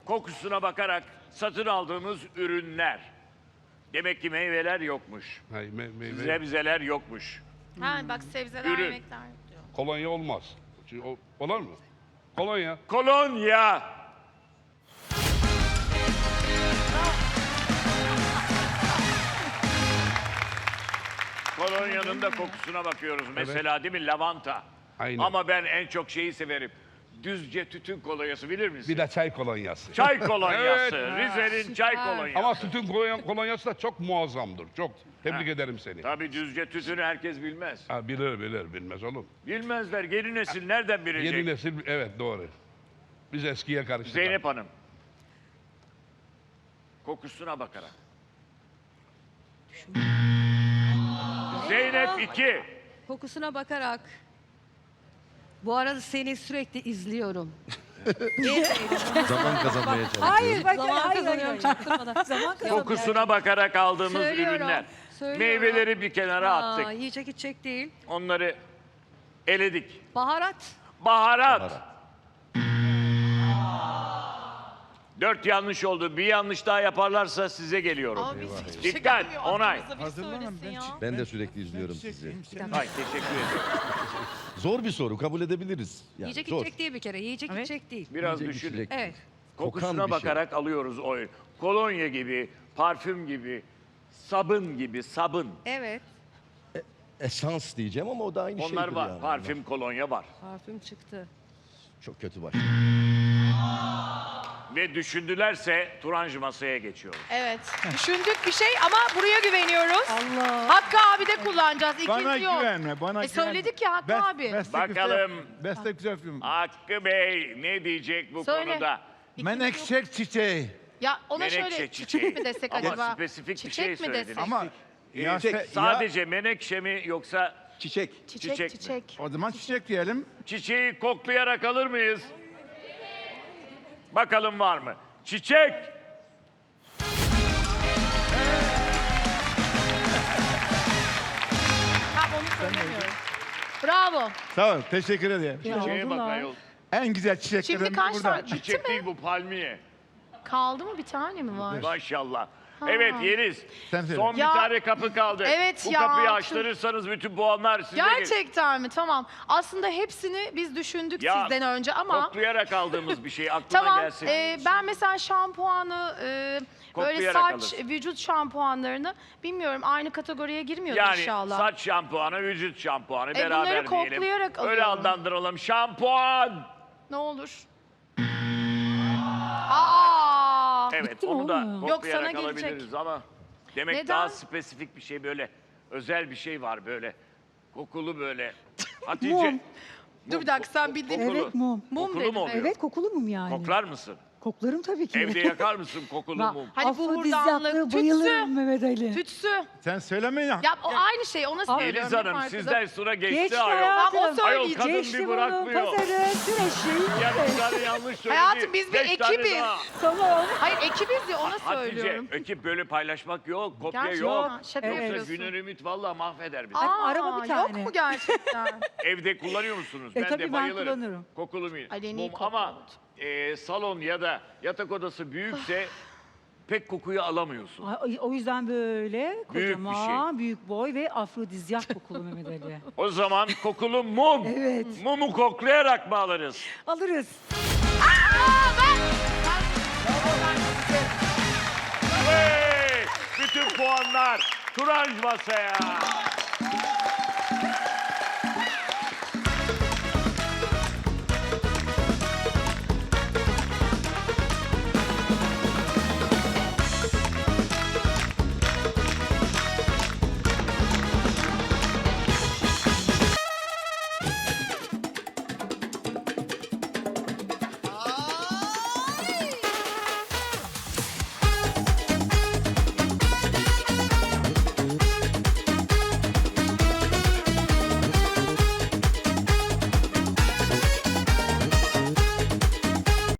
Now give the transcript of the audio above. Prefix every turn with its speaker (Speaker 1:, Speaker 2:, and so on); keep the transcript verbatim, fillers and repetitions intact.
Speaker 1: kokusuna bakarak satın aldığımız ürünler. Demek ki meyveler yokmuş.
Speaker 2: Hayır, me meyve.
Speaker 1: Sebzeler yokmuş.
Speaker 3: Ha bak sebzeler,
Speaker 1: Ürün.
Speaker 3: yemekler diyor.
Speaker 2: Kolonya olmaz. Çünkü o, olur mu? Kolonya.
Speaker 1: Kolonya. Kolonyanın da kokusuna bakıyoruz. Mesela değil mi? Lavanta.
Speaker 2: Aynen.
Speaker 1: Ama ben en çok şeyi severim. Düzce tütün kolonyası bilir misin?
Speaker 2: Bir de çay kolonyası.
Speaker 1: Çay kolonyası.
Speaker 2: Evet.
Speaker 1: Rize'nin çay kolonyası.
Speaker 2: Ama tütün kolonya, kolonyası da çok muazzamdır. Çok. Tebrik
Speaker 1: Ha.
Speaker 2: ederim seni.
Speaker 1: Tabii Düzce tütünü herkes bilmez.
Speaker 2: Ha, bilir bilir bilmez oğlum.
Speaker 1: Bilmezler. Yeni nesil nereden bilecek?
Speaker 2: Yeni nesil evet doğru. Biz eskiye karıştık.
Speaker 1: Zeynep Hanım. Kokusuna bakarak. Zeynep iki.
Speaker 4: Kokusuna bakarak. Bu arada seni sürekli izliyorum.
Speaker 5: Zaman kazanmaya çalışıyor.
Speaker 6: Hayır bak
Speaker 4: Zaman
Speaker 6: hayır,
Speaker 4: kazanıyorum
Speaker 6: hayır.
Speaker 4: çaktırmadan.
Speaker 6: Zaman kazanıyor.
Speaker 1: Kokusuna bakarak aldığımız
Speaker 4: Söylüyorum,
Speaker 1: ürünler.
Speaker 4: söylüyorum.
Speaker 1: Meyveleri bir kenara
Speaker 4: Aa,
Speaker 1: attık.
Speaker 4: yiyecek içecek değil.
Speaker 1: Onları eledik.
Speaker 4: Baharat.
Speaker 1: Baharat.
Speaker 5: Baharat.
Speaker 1: Dört yanlış oldu. Bir yanlış daha yaparlarsa size geliyorum.
Speaker 3: Ama biz hiçbir şey
Speaker 1: Dikkat,
Speaker 3: gelmiyor.
Speaker 1: onay.
Speaker 3: Aklımıza bir söylesin ya.
Speaker 5: Ben de sürekli izliyorum sizi.
Speaker 1: Ay teşekkür ederim.
Speaker 5: Zor bir soru, kabul edebiliriz. Yani
Speaker 4: Yiyecek
Speaker 5: zor.
Speaker 4: içecek değil bir kere. Yiyecek
Speaker 6: Evet.
Speaker 4: içecek değil.
Speaker 1: Biraz
Speaker 5: Yiyecek,
Speaker 1: düşünün.
Speaker 5: içecek.
Speaker 4: Evet.
Speaker 5: Kokan
Speaker 1: Kokusuna
Speaker 5: bir şey.
Speaker 1: bakarak alıyoruz o ürün. Kolonya gibi, parfüm gibi, sabun gibi, sabun.
Speaker 4: Evet.
Speaker 5: Esans diyeceğim ama o da aynı şeydir
Speaker 1: Onlar var.
Speaker 5: yani.
Speaker 1: Parfüm, kolonya var.
Speaker 4: Parfüm çıktı.
Speaker 5: Çok kötü başladı.
Speaker 1: Ve düşündülerse Turancı masaya geçiyoruz.
Speaker 3: Evet. Düşündük bir şey ama buraya güveniyoruz.
Speaker 6: Allah.
Speaker 3: Hakkı abi de kullanacağız. İkinci
Speaker 7: Bana
Speaker 3: yok.
Speaker 7: güvenme, bana
Speaker 3: E
Speaker 7: güvenme.
Speaker 3: söyledik ya Hakkı
Speaker 7: Best-
Speaker 3: abi.
Speaker 7: Beste
Speaker 1: Bakalım.
Speaker 7: Güzel, beste güzel film.
Speaker 1: Hakkı Bey ne diyecek bu
Speaker 3: Söyle.
Speaker 1: konuda?
Speaker 7: Menekşe çiçeği.
Speaker 3: Ya ona
Speaker 1: Menekşe
Speaker 3: şöyle
Speaker 1: çiçeği.
Speaker 3: çiçek mi desek
Speaker 1: Ama
Speaker 3: acaba?
Speaker 1: spesifik bir
Speaker 3: çiçek
Speaker 1: şey
Speaker 3: mi
Speaker 1: söylediniz.
Speaker 3: desek?
Speaker 7: Ama
Speaker 1: Ee,
Speaker 7: ya,
Speaker 1: tek-
Speaker 7: se-
Speaker 1: sadece menekşe mi yoksa
Speaker 7: çiçek.
Speaker 3: Çiçek,
Speaker 1: çiçek
Speaker 3: çiçek.
Speaker 1: mi?
Speaker 7: O zaman çiçek diyelim.
Speaker 1: çiçeği koklayarak alır mıyız? Bakalım var mı? Çiçek.
Speaker 3: Tamam onu söylemiyorum. Bravo.
Speaker 7: Sağ ol, teşekkür ederim.
Speaker 1: Çiçeğe bak ayol.
Speaker 7: En güzel çiçeklerim
Speaker 3: Şimdi kaç
Speaker 7: burada.
Speaker 3: tane? Bitti
Speaker 1: Çiçek
Speaker 3: mi?
Speaker 1: değil bu palmiye.
Speaker 3: Kaldı mı? Bir tane mi var?
Speaker 1: Maşallah. Evet Yeliz.
Speaker 7: Sen söyle.
Speaker 1: Son bir
Speaker 3: Ya-
Speaker 1: tane kapı kaldı.
Speaker 3: Evet
Speaker 1: Bu
Speaker 3: ya,
Speaker 1: kapıyı
Speaker 3: tüm-
Speaker 1: açtırırsanız bütün puanlar size gelir.
Speaker 3: Gerçekten mi? Tamam. Aslında hepsini biz düşündük
Speaker 1: Ya,
Speaker 3: sizden önce ama...
Speaker 1: Koklayarak aldığımız bir şey aklına
Speaker 3: Tamam.
Speaker 1: gelsin.
Speaker 3: e, ben mesela şampuanı, e, böyle
Speaker 1: Koklayarak
Speaker 3: saç,
Speaker 1: alırsın.
Speaker 3: vücut şampuanlarını bilmiyorum aynı kategoriye girmiyordur
Speaker 1: Yani
Speaker 3: inşallah.
Speaker 1: saç şampuanı, vücut şampuanı
Speaker 3: E,
Speaker 1: beraber
Speaker 3: bunları
Speaker 1: diyelim.
Speaker 3: koklayarak
Speaker 1: Öyle
Speaker 3: alıyorum.
Speaker 1: adlandıralım. Şampuan.
Speaker 3: Ne olur. Aa!
Speaker 1: Evet
Speaker 6: Bitti mi
Speaker 1: onu da
Speaker 6: oğlum?
Speaker 3: Yok,
Speaker 1: koklayarak
Speaker 3: sana gelecek.
Speaker 1: alabiliriz ama demek
Speaker 3: Neden?
Speaker 1: daha spesifik bir şey böyle. Özel bir şey var böyle. Kokulu böyle. Hatice.
Speaker 6: Mum.
Speaker 3: Dur bir dakika sen bildiğin...
Speaker 1: Kokulu.
Speaker 6: Evet, mum.
Speaker 3: Mum
Speaker 1: Kokulu
Speaker 3: dedim,
Speaker 1: mu oluyor?
Speaker 6: Evet kokulu mum yani.
Speaker 1: Koklar mısın?
Speaker 6: Koklarım tabii ki.
Speaker 1: Evde yakar mısın kokulu
Speaker 6: Bak,
Speaker 1: mum?
Speaker 3: Hani buhurdanlık,
Speaker 6: afrodizyaktır,
Speaker 3: tütsü.
Speaker 6: bayılırım Mehmet Ali.
Speaker 3: Tütsü.
Speaker 7: Sen söyleme ya.
Speaker 3: Ya o aynı şey ona söylüyorum.
Speaker 1: Yeliz
Speaker 3: ne
Speaker 1: Hanım
Speaker 3: farkı da-
Speaker 1: sizden sıra geçti,
Speaker 6: Geçti
Speaker 1: ayol.
Speaker 6: hayatım.
Speaker 3: Tamam, o
Speaker 1: Ayol
Speaker 3: söyleyecek.
Speaker 1: kadın
Speaker 6: Geçti
Speaker 1: bir
Speaker 6: bunu,
Speaker 1: bırakmıyor.
Speaker 6: pazarı, süreçli.
Speaker 1: Ya bir tane yanlış söyledi.
Speaker 3: Hayatım, biz bir
Speaker 1: Beş tane
Speaker 3: ekibiz.
Speaker 1: daha.
Speaker 6: Tamam.
Speaker 3: Hayır ekibiz ya ona
Speaker 1: Hatice,
Speaker 3: söylüyorum.
Speaker 1: ekip böyle paylaşmak yok, kopya
Speaker 3: Gerçekten
Speaker 1: yok.
Speaker 3: şaka
Speaker 6: Evet.
Speaker 1: Yoksa
Speaker 3: yapıyorsun.
Speaker 1: Güner Ümit vallahi mahveder bizi.
Speaker 6: Hadi araba bir
Speaker 3: Yok
Speaker 6: tane.
Speaker 3: mu gerçekten?
Speaker 1: Evde kullanıyor musunuz?
Speaker 6: E,
Speaker 1: ben
Speaker 6: tabii
Speaker 1: de
Speaker 6: ben
Speaker 1: bayılırım.
Speaker 6: kullanırım.
Speaker 1: Kokulu mum.
Speaker 3: Ay, en iyi
Speaker 1: mum.
Speaker 3: kokulu.
Speaker 1: Ama e, salon ya da yatak odası büyükse pek kokuyu alamıyorsun.
Speaker 6: Ay, O yüzden böyle
Speaker 1: Büyük bir
Speaker 6: kocaman, büyük boy ve afrodizyak kokulu Mehmet Ali.
Speaker 1: O zaman kokulu mum.
Speaker 6: Evet.
Speaker 1: Mumu koklayarak mı alırız?
Speaker 6: Alırız.
Speaker 1: Hey! Bütün puanlar Turanj masaya.